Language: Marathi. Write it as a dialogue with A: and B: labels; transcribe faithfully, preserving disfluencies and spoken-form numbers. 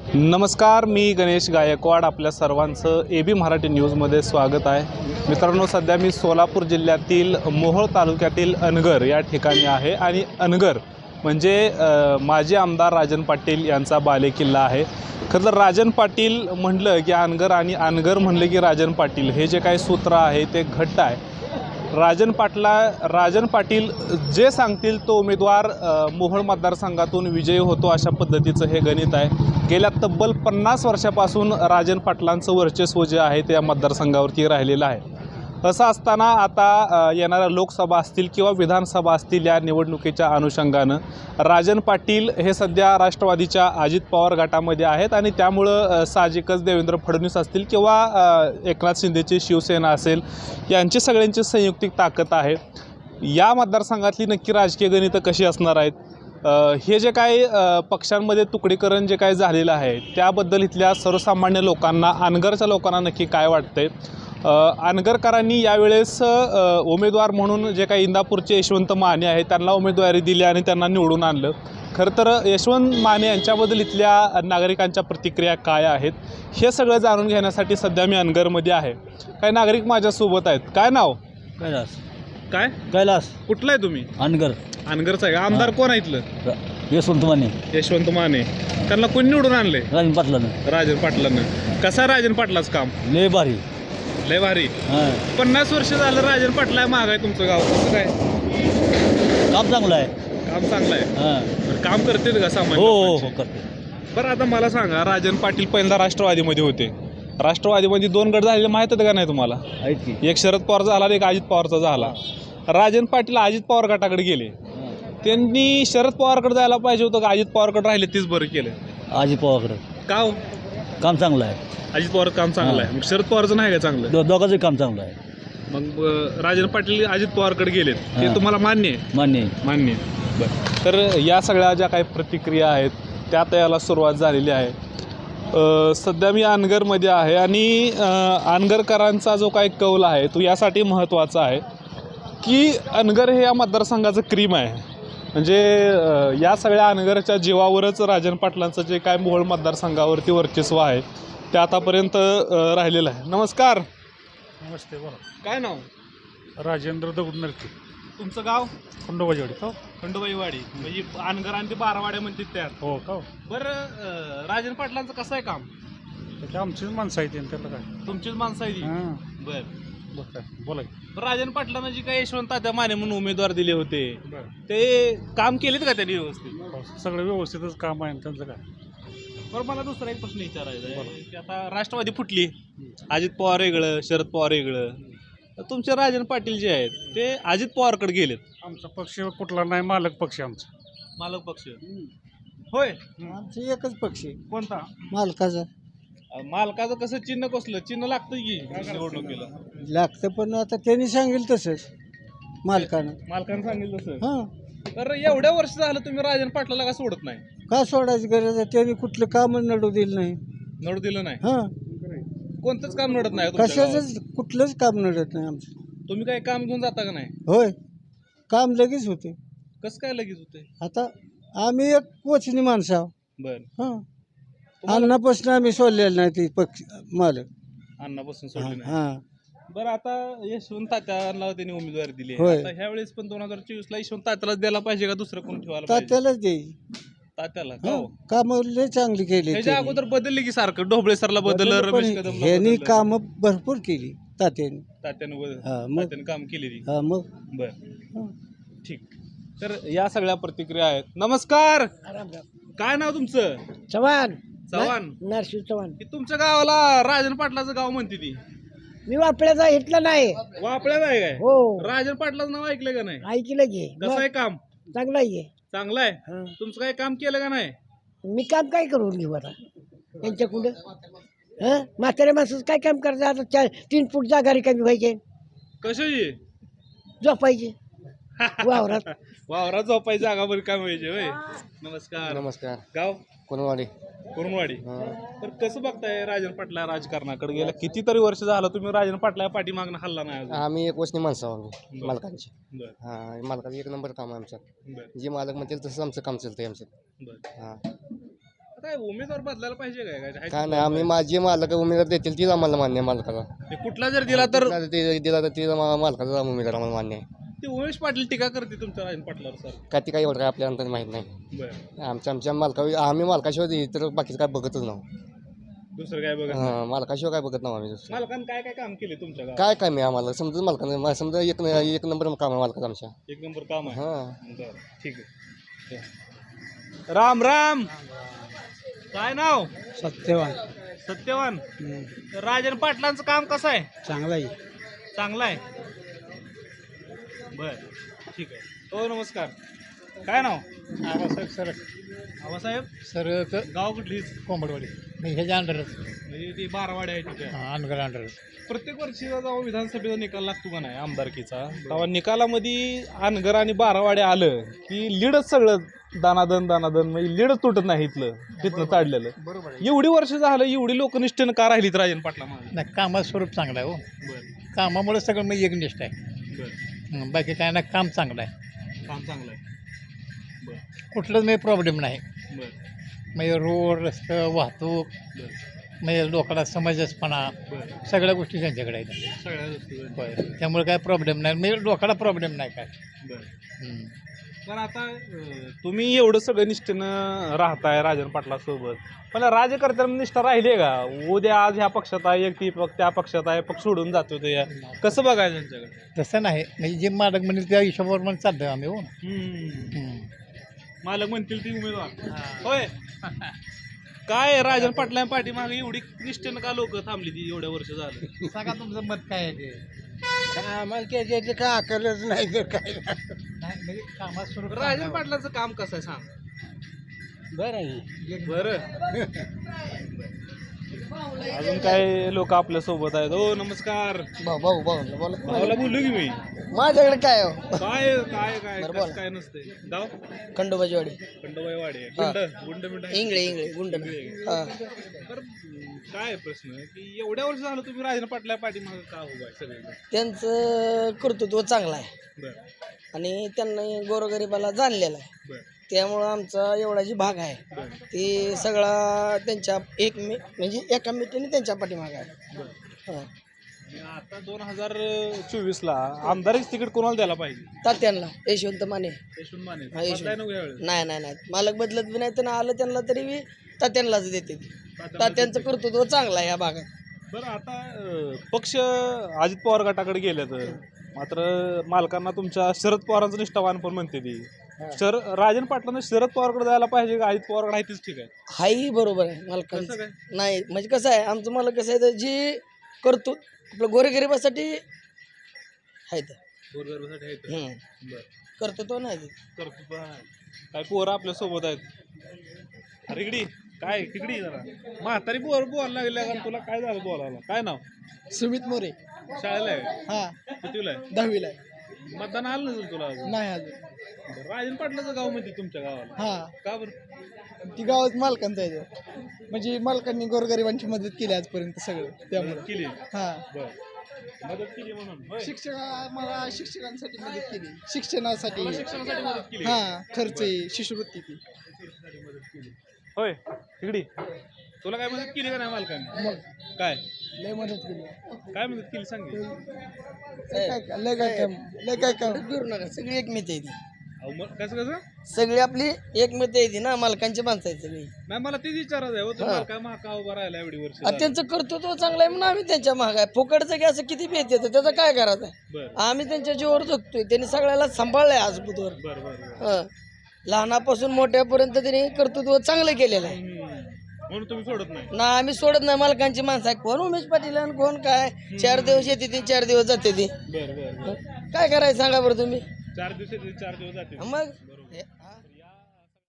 A: नमस्कार, मी गणेश गायकवाड. आपल्या सर्वांचं ए बी मराठी न्यूजमध्ये स्वागत आहे. मित्रांनो, सध्या मी सोलापूर जिल्ह्यातील मोहोळ तालुक्यातील अनगर या ठिकाणी आहे आणि अनगर म्हणजे माजी आमदार राजन पाटील यांचा बालेकिल्ला आहे. खरं तर राजन पाटील म्हटलं की अनगर आणि अनगर म्हणलं की राजन पाटील, हे जे काही सूत्र आहे ते घट्ट आहे. राजन पाटला राजन पाटील जे सांगतील तो उमेदवार मोहोळ मतदारसंघातून विजयी होतो, अशा पद्धतीचं हे गणित आहे. गेल्या तब्बल पन्नास वर्षापासून राजन पाटलांचं वर्चस्व जे आहे ते या मतदारसंघावरती राहिलेलं आहे. असं असताना आता येणाऱ्या लोकसभा असतील किंवा विधानसभा असतील, या निवडणुकीच्या अनुषंगानं राजन पाटील हे सध्या राष्ट्रवादीच्या अजित पवार गटामध्ये आहेत आणि त्यामुळं साहजिकच देवेंद्र फडणवीस असतील किंवा एकनाथ शिंदेची शिवसेना असेल, यांची सगळ्यांची संयुक्तिक ताकद आहे. या मतदारसंघातली नक्की राजकीय गणितं कशी असणार आहेत, हे जे काही पक्षांमध्ये तुकडीकरण जे काही झालेलं आहे त्याबद्दल इथल्या सर्वसामान्य लोकांना, अनगरच्या लोकांना नक्की काय वाटतंय. अनगरकरांनी यावेळेस उमेदवार म्हणून जे काही इंदापूरचे यशवंत माने आहेत त्यांना उमेदवारी दिली आणि त्यांना निवडून आणलं. खरं तर यशवंत माने यांच्याबद्दल इथल्या नागरिकांच्या प्रतिक्रिया काय आहेत हे सगळं जाणून घेण्यासाठी सध्या मी अनगरमध्ये आहे. काही नागरिक माझ्यासोबत आहेत. काय नाव?
B: कैलास.
A: काय?
B: कैलास.
A: कुठलं आहे तुम्ही?
B: अनगर.
A: अनगरचं आहे. आमदार कोण आहे इथलं?
B: यशवंत माने.
A: यशवंत माने. त्यांना कोण निवडून आणले?
B: राजन पाटलानं.
A: राजन पाटलांना. कसं राजन पाटलाचं काम?
B: लय भारी.
A: लय भारी. पन्नास वर्ष झालं राजन पाटला महाग आहे तुमचं गाव, कसं काय?
B: काम चांगलं आहे.
A: काम चांगलं आहे. काम करतील का सामान्य?
B: हो हो हो करते.
A: बरं, आता मला सांगा, राजन पाटील पहिल्यांदा राष्ट्रवादीमध्ये होते. राष्ट्रवादीमध्ये दोन गट झालेले माहीत होतं का नाही तुम्हाला?
B: आहेत की.
A: एक शरद पवार झाला आणि एक अजित पवारचा झाला. राजन पाटील अजित पवार गटाकडे गेले. त्यांनी शरद पवारकडे जायला पाहिजे होतं का अजित पवारकडे राहिले तीच बरं केलं?
B: अजित पवारकडे.
A: का हो?
B: काम चांगलं आहे.
A: अजित पवार काम चांगलं आहे. मग शरद पवारचं नाही का चांगलं?
B: दो दोघांचं काम चांगलं आहे.
A: मग राजन पाटील अजित पवारकडे गेलेत, ते तुम्हाला मान्य आहे?
B: मान्य आहे.
A: मान्य आहे. बरं, तर या सगळ्या ज्या काही प्रतिक्रिया आहेत त्यात याला सुरुवात झालेली आहे. सध्या मी अनगरमध्ये आहे आणि अनगरकरांचा जो काही कौल आहे तो यासाठी महत्त्वाचा आहे की अनगर हे या मतदारसंघाचं क्रीम आहे. म्हणजे या सगळ्या अनगरच्या जीवावरच राजन पाटलांचं जे काय मोहोळ मतदारसंघावरती वर्चस्व आहे ते आतापर्यंत राहिलेलं आहे. नमस्कार.
C: नमस्ते. बोला.
A: काय नाव?
C: राजेंद्र दगड नरके.
A: तुमचं गाव?
C: खंडोबाजीवाडी. हो
A: खंडोबाईवाडी. म्हणजे अनगर आणि ते बारावाड्या म्हणतात त्यात.
C: हो का.
A: बरं, राजन पाटलांचं कसं आहे काम?
C: त्याची आमचीच माणसं आहेत त्याला काय.
A: तुमचीच माणसं आहे ती?
C: हां.
A: बरं
C: बरं काय बोला.
A: राजन पाटलांना जी काही यशवंत तात्या माने म्हणून उमेदवार दिले होते
C: बरं.
A: ते काम केलेत का त्यांनी व्यवस्थित?
C: सगळं व्यवस्थितच काम आहे त्यांचं काय.
A: बरं, मला दुसरा एक प्रश्न विचारायचा आहे की आता राष्ट्रवादी फुटली, अजित पवार वेगळं, शरद पवार वेगळं, तुमचे राजन पाटील जे आहेत ते अजित पवारकडे गेलेत.
C: आमचा पक्ष कुठला नाही, मालक पक्ष आमचा.
A: मालक पक्ष होय?
D: आमचं एकच पक्ष आहे.
A: कोणता?
D: मालकाचा.
A: मालकाचं कसं चिन्ह कसलं? चिन्ह लागतं की निवडणुकीला?
D: लागतं, पण आता त्यांनी सांगेल तसंच मालकानं.
A: मालकानं सांगितलं तसं.
D: हां.
A: तर एवढ्या वर्ष झालं तुम्ही राजन पाटलाला का सोडत नाही?
D: का सोडायची गरज आहे? त्यांनी कुठलं कामच नडू दिलं नाही.
A: नडू दिलं नाही?
D: हां.
A: कोणतंच काम नडत नाही तुमच्या गावात?
D: कशाच कुठलंच काम नडत नाही आमचं.
A: तुम्ही काही काम घेऊन जाता का नाही?
D: होय, काम लगेच होते.
A: कसं काय लगेच होते?
D: आता आम्ही एक कोचनी माणसं आहोत.
A: बरं.
D: हां. अन्नापासून आम्ही सोडलेलं नाही ती पक्ष मालक.
A: अन्नापासून सोडले नाही.
D: हां.
A: बरं, आता यशवंत तात्याला त्यांनी उमेदवारी दिली आहे.
D: होय.
A: आता ह्या वेळेस पण दोन हजार चोवीस ला यशवंत तात्यालाच द्यायला पाहिजे का दुसरं कोण ठेवायला पाहिजे?
D: तात्यालाच देईल.
A: तात्याला का हो?
D: कामं लय चांगली केली
A: ह्याच्या
D: त्यांनी.
A: अगोदर बदलली की सारखं ढोबळे सरला बदललं,
D: पण
A: रमेश कदमला
D: ह्यांनी
A: बदललं.
D: कामं भरपूर केली तात्याने.
A: तात्यानं बदल-
D: हां, मग.
A: तात्यानं काम केलेली.
D: हा मग.
A: बर,
D: हां.
A: ठीक. तर या सगळ्या प्रतिक्रिया आहेत. नमस्कार. काय नाव तुमचं?
E: चव्हाण.
A: चव्हाण.
E: नरशिव चव्हाण.
A: की तुमच्या गावाला राजन पाटलाचं गाव म्हणते ती?
E: मी वापड्याचा इथला नाही.
A: वापळ्यात आहे काय?
E: हो,
A: राजन पाटलाचं नाव ऐकलं का नाही?
E: ऐकलं की.
A: कसं आहे काम?
E: चांगला आहे.
A: चांगलं आहे.
E: हं.
A: तुमचं काही काम केलं का नाही?
E: मी काम काय करून घेऊ आता त्यांच्याकडं? हं, म्हाताऱ्या माणसाचं काय काम करायचं आता? चार तीन फूट जागा रिकामी व्हायचे,
A: कशाची?
E: झोपायचे वावरात.
A: वावरात झोपायची जागा बरी काय पाहिजे होय. नमस्कार.
D: नमस्कार.
A: गाव?
D: कोणवाडी.
A: कुरुंदवाडी. तर कसं बघताय राजन पाटला राजकारणाकडे? गेल्या कितीतरी वर्ष झालं तुम्ही राजन पाटला पाठीमागणं हल्ला नाही अजून.
D: आम्ही एक वचनी माणसं आहोत
A: बरं.
D: मालकांची.
A: बरं.
D: हां, मालकाचं एक नंबर काम आहे आमचं.
A: बरं.
D: जे मालक म्हणतील तसं आमचं काम चालतंय आमचं.
A: बरं.
D: हां.
A: काय उमेदवार बदलायला पाहिजे काय काय
F: काय नाही आम्ही माझी मालक उमेदवार देतील तीच आम्हाला मान्य आहे मालकाला.
A: ते कुठला जर दिला तर
F: कुठला ते दिला तर तीच आम्हाला मालकाचा उमेदवार आम्हाला मान्य आहे.
A: ते उमेश पाटील टीका करते तुमच्या राजन पाटलावर सर.
F: का ती काही एवढं काय आपल्याला अंतर माहीत नाही.
A: बरं
F: आमच्या आमच्या मालका आम्ही मालकाशिवाय तर बाकीचं काय बघतच नाही.
A: दुसरं काय बघा
F: हां मालकाशिवाय काय बघत नाही आम्ही दुसरं.
A: मालकानं काय काय काम केले तुमच्या गावात?
F: काय काय मी आम्हाला समजा मालकानं समजा एक एक नंबर काम आहे मालकाचं आमच्या.
A: एक नंबर काम आहे.
F: हां
A: बरं ठीक आहे. राम राम. काय नाव?
D: सत्यवान
A: सत्यवान. राजन पाटलांचं काम कसं आहे?
D: चांगला आहे.
A: चांगलं आहे. बर ठीक आहे. हो नमस्कार. काय नाव?
C: आबासाहेब सर
A: आबासाहेब.
C: सर
A: गाव कुठलीच?
C: कोंबडवाडी ह्याच्या अंडरच
A: म्हणजे ती बारावाडी आहे तिथे.
C: अनगर अंडरच.
A: प्रत्येक वर्षी जेव्हा विधानसभेचा निकाल लागतो का नाही आमदारकीचा, तेव्हा निकालामध्ये अनगर आणि बारावाडी आलं की लीडच सगळं दानादन दानादन म्हणजे लीडच तुटत नाही इथलं तिथनं चाडलेलं.
C: बरोबर
A: एवढी वर्ष झालं एवढी लोकनिष्ठेनं का राहिलीत राजन पाटला मागे?
C: नाही कामाचं स्वरूप चांगलं आहे हो.
A: बरं
C: कामामुळे सगळं मग एकनिष्ठ आहे.
A: बरं.
C: हं, बाकी काय ना काम चांगलं आहे.
A: काम चांगलं आहे. बरं
C: कुठलंच म्हणजे प्रॉब्लेम नाही.
A: बरं
C: म्हणजे रोड रस्ते वाहतूक
A: बरं
C: म्हणजे लोकांना समंजसपणा
A: बरं.
C: सगळ्या गोष्टी त्यांच्याकडे आहेत.
A: सगळ्या गोष्टी बरं.
C: होय त्यामुळे काय प्रॉब्लेम नाही म्हणजे लोकांना प्रॉब्लेम नाही काय.
A: बरं.
C: हं.
A: पण आता अं, तुम्ही एवढं सगळं निष्ठेनं राहताय राजन पाटला सोबत, पण राज्यकर्त्यांना निष्ठा राहिली आहे का? उद्या आज ह्या पक्षात आहे एक ती पक्ष त्या पक्षात आहे पक्ष सोडून जातो ते या. कसं बघायचं त्यांच्याकडे?
C: तसं नाही म्हणजे जे मालक म्हणेल त्या हिशोबावर म्हणून चालतोय आम्ही हो.
A: हम्म.
C: हं.
A: मालक म्हणतील ती उमेदवार होय. काय राजन पाटला पाठीमागे एवढी निष्ठेनं का लोक थांबली ती एवढ्या वर्ष झालं?
C: सांगा तुमचं मत काय आहे ते.
D: आम्हाला त्याच्यात काय अकलच नाही तर काय
C: नाही म्हणजे कामात स्वरूप
A: राजन पाटलाचं काम कसं आहे सांग
D: बरं आहे.
A: बरं. अजून काय लोक आपल्या सोबत आहेत. हो नमस्कार.
D: भाऊ भाऊ भाऊ बोला
A: भावाला बोललो की मी.
D: माझ्याकडे काय हो
A: काय काय काय
D: बरं,
A: कसं
D: बोला.
A: काय नसते गाव
D: खंडोबाची वाडी
A: खंडोबाई वाडे गुंड गुंड मिंड आहे.
D: इंगळे इंगळे गुंड हा
A: तर काय प्रश्न आहे की एवढ्या वर्ष झालं तुम्ही राजन पाटला पाठीमागे का उभा आहे सगळे?
G: त्यांचं कर्तृत्व चांगलं आहे
A: बरं
G: आणि त्यांना गोरगरिबाला जाणलेलं आहे.
A: बरं
G: त्यामुळं आमचा एवढा जी भाग आहे
A: बरं
G: ती सगळा त्यांच्या एक मे म्हणजे एका मिटीने त्यांच्या पाठीमागे आहे.
A: बरं.
G: हां
A: आणि आता दोन हजार चोवीस ला आमदारच तिकीट कोणाला द्यायला पाहिजे?
G: तात्यांना यशवंत माने
A: यशवंत माने.
G: हा, यशवंत.
A: बदलाय नको यावेळेस.
G: नाही नाही नाही मालक बदलत बी नाही तर आलं त्यांना तरी बी तात्यांनाच देते ती. तात्यांचं कर्तृत्व चांगलं आहे या भागात.
A: बरं आता अं, पक्ष अजित पवार गटाकडे गेले तर मात्र मालकांना तुमच्या शरद पवारांचं निष्ठावान पण म्हणते ती. शर राजन पाटलांना शरद पवारकडे जायला पाहिजे का अजित पवारकडे आहे तीच ठीक आहे?
G: हाही बरोबर आहे
A: कसं
G: मालकांचं.
A: काय?
G: नाही म्हणजे कसं आहे आमचं मालक कसं आहे तर जी करतो आपलं गोरेगरिबासाठी आहे तर
A: गोरगरिबासाठी आहे ते.
G: हं.
A: बरं
G: कर्तृत्व नाही ते.
A: कर्तृत्व आहे. काय पोरं आपल्या सोबत आहेत. अरे इकडी काय तिकडी जरा म्हातारी पोर बोलायला लागल्या का तुला? काय झालं बोलायला? काय नाव?
D: सुमित मोरे
A: शाळेला आहे?
D: हा
A: कितीला आहे?
D: दहावीला आहे.
A: मतदान आलं नसेल तुला अजून?
D: नाही अजून.
A: बरं, राजन पाटलाचं गाव म्हणते तुमच्या गावाला.
D: हा
A: का बरं?
D: ती गावात मालकांचा आहे तो. म्हणजे मालकांनी गोरगरिबांची मदत केली आजपर्यंत सगळं त्यामुळे.
A: मदत केली.
D: हा
A: बरं मदत केली म्हणून होय.
D: शिक्षक मला शिक्षकांसाठी मदत केली शिक्षणासाठी.
A: तुला शिक्षणासाठी मदत केली.
D: हा खर्च आहे शिष्यवृत्ती ती.
A: शिक्षणासाठी मदत केली. होय तिकडी तुला काय मदत केली का नाही मालकाने?
D: मग
A: काय
D: लय मदत केली.
A: काय मदत केली सांग की.
D: लय काय लय काय काम लय काय काम.
G: फिरू नका सगळी एकमित आहे ती.
A: अहो, मग कसं कसं
G: सगळी आपली एकमित आहे ती ना मालकांची माणसं आहेत सगळी.
A: नाही मला तेच विचारायचं आहे हो,
G: हा.
A: तुम्हाला काय महाका उभा राहिला एवढी वर्ष
G: आणि त्यांचं कर्तृत्व चांगलं आहे म्हणून आम्ही त्यांच्या महाग आहे. फुकटचं की असं किती भेट येतं त्याचं काय करायचं आहे.
A: बरं
G: आम्ही त्यांच्या जीवावर जगतोय त्यांनी सगळ्याला सांभाळलंय आज बुधवर.
A: बरं बरं बरं.
G: हं. लहानापासून मोठ्यापर्यंत त्यांनी कर्तृत्व चांगलं केलेलं आहे
A: हम्म. म्हणून तुम्ही सोडत नाही.
G: ना. आम्ही सोडत नाही मालकांची माणसं आहे. कोण उमेश पाटील आणि कोण काय चार दिवस येते ती चार दिवस जाते ती.
A: बरं बरं बरं.
G: काय करायचं सांगा बरं तुम्ही.
A: चार दिवस येते, चार दिवस जाते.
G: मग